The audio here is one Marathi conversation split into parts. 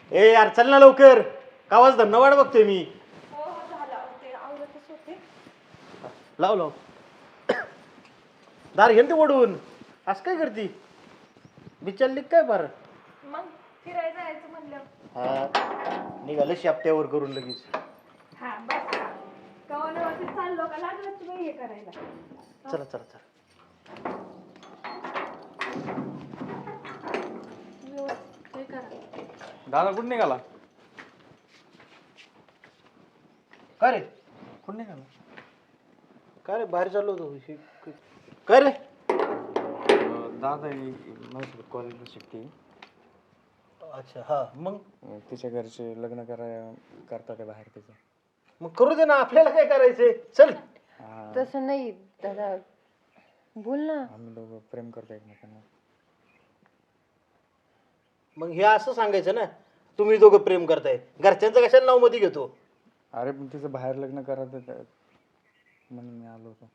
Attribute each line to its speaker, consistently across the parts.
Speaker 1: ए यार चल ना लवकर. कावाच धन्यवाद बघतोय मी.
Speaker 2: हो हो झाला ते आवडतच होते.
Speaker 1: लाव लाव. दार घेन ते ओढून. असं काय करती बिचारली काय बरं.
Speaker 2: मग फिरायला जायचं म्हणलं.
Speaker 1: हा निघालं शाप्त्यावर करून लगेच.
Speaker 2: हा बस कवाल्यावरती चाललो का लागलं तुम्ही हे करायला.
Speaker 1: चला चला चला.
Speaker 2: व्यवस्थित हे करा.
Speaker 3: दादा कुठं निघाला?
Speaker 1: काय रे
Speaker 3: कुठं निघाला?
Speaker 1: काय रे बाहेर चाललो होतो. काय रे
Speaker 3: दादा माझ्यासोबत कॉलेजला शिकते.
Speaker 1: अच्छा हा मग
Speaker 3: तिच्या घरचे लग्न करतात बाहेर तिचं.
Speaker 1: मग करू दे ना आपल्याला काय करायचंय. चल.
Speaker 4: तसं नाही दादा बोल ना.
Speaker 3: आम्ही दोघं प्रेम करतो एकमेकांना.
Speaker 1: मग हे असं सांगायचं ना तुम्ही दोघं प्रेम करताय. घरच्यांचं कशाला नाव मध्ये घेतो.
Speaker 3: अरे पण तिचं बाहेर लग्न करायचं म्हणून मी आलो होतो.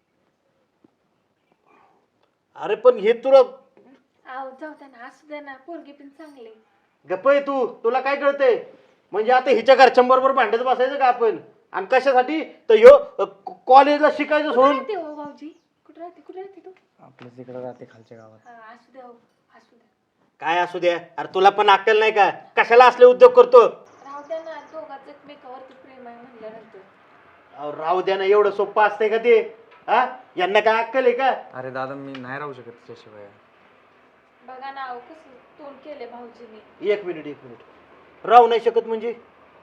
Speaker 1: अरे पण हे तुला
Speaker 2: आव जाऊ दे ना असू दे ना पोरगी पण चांगली.
Speaker 1: गप्प आहे तू. तुला काय कळतंय. म्हणजे आता हिच्या घरच्यांबरोबर भांडत बसायचं का आपण. आणि कशासाठी तर ह्यो कॉलेजला शिकायचं सोडून.
Speaker 2: राहते हो भाऊजी कुठे राहते तू.
Speaker 3: आपल्या तिकडे राहते खालच्या गावात.
Speaker 2: असू दे हो असू दे.
Speaker 1: काय असू द्या. अरे तुला पण अक्कल नाही का. कशाला असले उद्योग करतो.
Speaker 2: राहू द्या ना दोघांच एकमेकावरती प्रेम आहे म्हणल्यानंतर.
Speaker 1: अहो, राहू द्या ना एवढं सोपं असतंय का ते. हा यांना काय अक्कल आहे का.
Speaker 3: अरे दादा मी नाही राहू शकत तिच्याशिवाय.
Speaker 2: बघा ना कसं तोंड केले भाऊजींनी.
Speaker 1: एक मिनिट राहू नाही शकत म्हणजे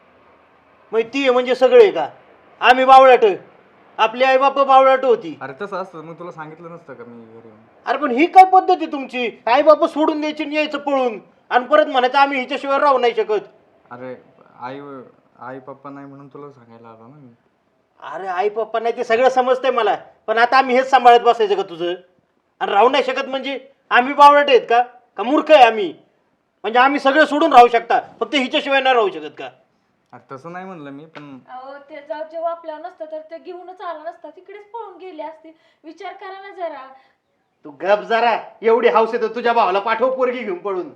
Speaker 1: मग ती आहे म्हणजे सगळे का. आम्ही बावळाट. आपली आई बाप बावळाट होती.
Speaker 3: अरे तसं असतं मग तुला सांगितलं नसतं का मी घरी येऊन.
Speaker 1: अरे पण ही काय पद्धत आहे तुमची. आई बाप सोडून द्यायची आणि यायचं पळून आणि परत म्हणायचं आम्ही हिच्याशिवाय राहू नाही शकत.
Speaker 3: अरे आई पप्पा नाही म्हणून तुला सांगायला आलो ना मी.
Speaker 1: अरे आई पप्पा नाही ते सगळं समजतंय मला. पण आता आम्ही हेच सांभाळत बसायचं का तुझं. आणि राहू नाही शकत म्हणजे आम्ही बावळट आहेत का मूर्ख आहे आम्ही. म्हणजे आम्ही सगळं सोडून राहू शकता फक्त हिच्याशिवाय नाही राहू शकत का.
Speaker 3: अरे तसं नाही म्हणलं मी पण.
Speaker 2: अहो ते जाऊ जेव्हा आपल्यावर नसतं तर ते घेऊनच आला नसता तिकडेच पळून गेले असते. विचार करा ना जरा.
Speaker 1: तू गप जरा. एवढी हौस येतो तुझ्या भावाला पाठव पोरगी घेऊन पळून.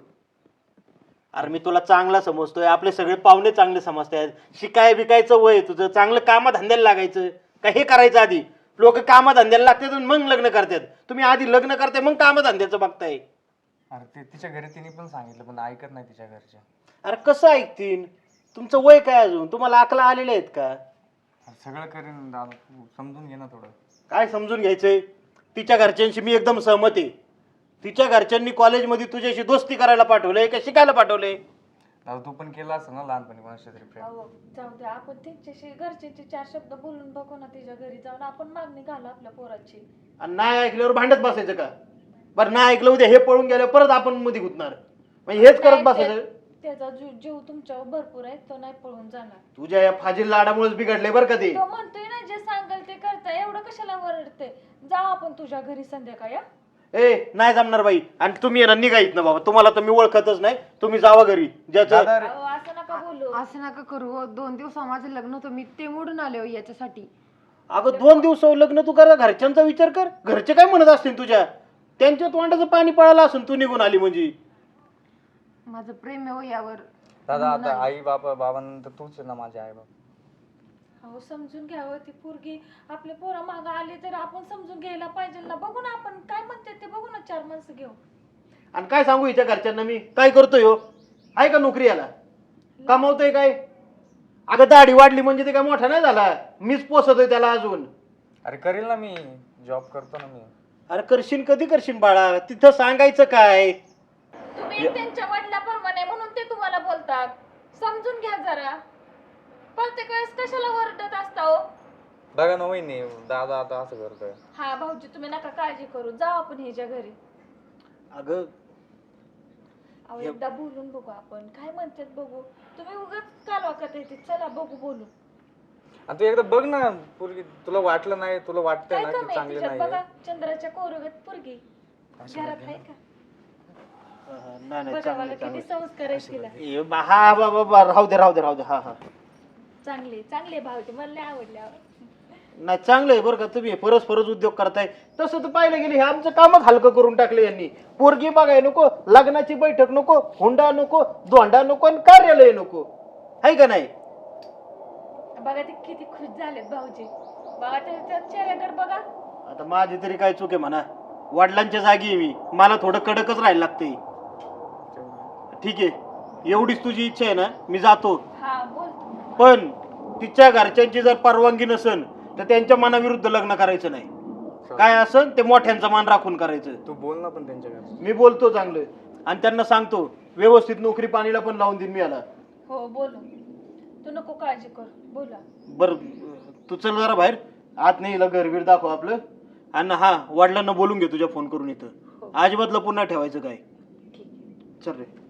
Speaker 1: अरे मी तुला चांगला समजतोय. आपले सगळे पाहुणे चांगले समजतात. शिकाय बिकायचं वय तुझं. चांगलं कामधंद्याला लागायचं का हे करायचं आधी. लोक कामधंद्याला लागतात आणि मग लग्न करतात. तुम्ही आधी लग्न करताय मग कामधंद्याचं बघताय.
Speaker 3: अरे ते तिच्या घरी तिने पण सांगितलं पण ऐकत नाही तिच्या घरच्या.
Speaker 1: अरे कसं ऐकतील. तुमचं वय काय अजून. तुम्हाला अकला आलेले आहेत का.
Speaker 3: अरे सगळं करेन दादा तू समजून घे ना थोडं.
Speaker 1: काय समजून घ्यायचंय. तिच्या घरच्यांशी मी एकदम सहमत आहे. तिच्या घरच्यांनी कॉलेजमध्ये तुझ्याशी दोस्ती करायला पाठवलंय का शिकायला पाठवलंय.
Speaker 3: दादा तू पण केला असं ना लहानपणी कोणाच्या तरी प्रेम.
Speaker 2: अहो जाऊ दे आपण त्यांच्याशी घरच्यांचे 4 शब्द बोलून बघू ना. तिच्या घरी जाऊन आपण मागणी घालू आपल्या पोराची.
Speaker 1: आणि नाही ऐकल्यावर भांडत बसायचं का. बरं नाही ऐकलं उद्या हे पळून गेल्यावर परत आपण मध्ये गुतणार. म्हणजे हेच करत बसायचं.
Speaker 2: त्याचा जीव तुमच्यावर भरपूर आहे. तो नाही पळून जाणार.
Speaker 1: तुझ्या या फाजील लाडामुळेच बिघडले बरं का ते.
Speaker 2: तो म्हणतोय ना जे सांगाल ते करता. एवढं कशाला वरडते. जाऊ आपण तुझ्या घरी संध्याकाळी.
Speaker 1: ए नाही जमणार बाई. आणि तुम्ही येणार निघायत ना बाबा. तुम्हाला तर मी ओळखतच नाही. तुम्ही जावा घरी. ज्याचं
Speaker 3: दादा
Speaker 2: अहो असं नका बोलू.
Speaker 4: असं नका करू हो. 2 दिवस माझं लग्न होतं मी ते मोडून आले हो याच्यासाठी.
Speaker 1: अगं 2 दिवस लग्न तू करा. घरच्यांचा विचार कर. घरचे काय म्हणत असतील तुझ्या. त्यांच्या तोंडाचं पाणी पळालं असून तू निघून आली म्हणजे.
Speaker 4: माझं प्रेम आहे हो यावर.
Speaker 3: दादा आता आई बाबांनंतर तूच आहे ना माझे आई बाबा.
Speaker 2: अहो समजून घ्यावं. ती पोरगी आपल्या पोरा मागं आली तर आपण समजून घ्यायला पाहिजे ना. बघू ना आपण काय म्हणते ते बघू ना. 4 माणसं घेऊ.
Speaker 1: आणि काय सांगू हिच्या घरच्यांना मी. काय करतोय हो. आहे का नोकरी याला. कमावतोय काय. अगं दाढी वाढली म्हणजे ते काय मोठा नाही झाला. मीच पोसतोय त्याला अजून.
Speaker 3: अरे करील ना मी. जॉब करतो ना मी.
Speaker 1: अरे करशील कधी करशील बाळा. तिथं सांगायचं काय.
Speaker 2: तुम्ही त्यांच्या वडिलाप्रमाणे म्हणून ते तुम्हाला बोलतात. समजून घ्या जरा. प्रत्येक वेळेस कशाला वरडत असता हो.
Speaker 3: बघा ना वहिनी दादा आता असं करतोय.
Speaker 2: हा भाऊजी तुम्ही नका काळजी करू. जाऊ आपण ह्याच्या घरी.
Speaker 1: अगं
Speaker 2: अहो एकदा बोलून बघू आपण. काय म्हणतात बघू. तुम्ही उगाच कालवा करता येते. चला बघू बोलू.
Speaker 3: आणि तू एकदा बघ ना पोरगी. तुला वाटलं नाही तुला वाटतंय
Speaker 2: काय
Speaker 3: ना
Speaker 2: कमी
Speaker 3: की
Speaker 2: आहे
Speaker 3: चांगली
Speaker 2: तिच्यात
Speaker 3: नाही
Speaker 2: बघा. चंद्राच्या कोरगत पोरगी घरात आहे का.
Speaker 1: नाही
Speaker 2: बघा बघा किती संस्कार आहेत तिला.
Speaker 1: हा बाबा राहू दे. हा हा
Speaker 2: चांगले चांगले भाऊजी मला लय आवडले.
Speaker 1: नाही चांगलं आहे बरं का, तुम्ही परस्परच उद्योग करताय. तसं तर पाहिलं गेले हे आमचं कामच हलकं करून टाकलं यांनी. पोरगी बघाय नको, लग्नाची बैठक नको, हुंडा नको, धोंडा नको आणि कार्यालय नको, आहे का नाही?
Speaker 2: बघा ते किती खुश झालेत भाऊजी. बघा त्या चेहऱ्याकडे बघा.
Speaker 1: आता माझी तरी काय चूक आहे म्हणा, वडिलांच्या जागी आहे मी, मला थोडं कडकच राहायला लागतंय. ठीक आहे, एवढीच तुझी इच्छा आहे ना, मी जातो.
Speaker 2: हा बोल.
Speaker 1: पण तिच्या घरच्यांची जर परवानगी नसेल तर त्यांच्या मनाविरुद्ध लग्न करायचं नाही. काय असेल ते मोठ्यांचा मान राखून करायचं.
Speaker 3: तू बोल ना पण त्यांच्या घरी.
Speaker 1: मी बोलतो चांगलं आणि त्यांना सांगतो व्यवस्थित नोकरी पाणीला पण लावून देईन मी याला.
Speaker 2: हो बोलू. तू नको काळजी कर, बोला.
Speaker 1: बर तू चल जरा बाहेर, आत नाही हिला घरबीर दाखव आपलं. आणि हा, वडिलांना बोलून घे तुझ्या फोन करून इथं. अजिबात लपून नाही ठेवायचं काय. चल रे.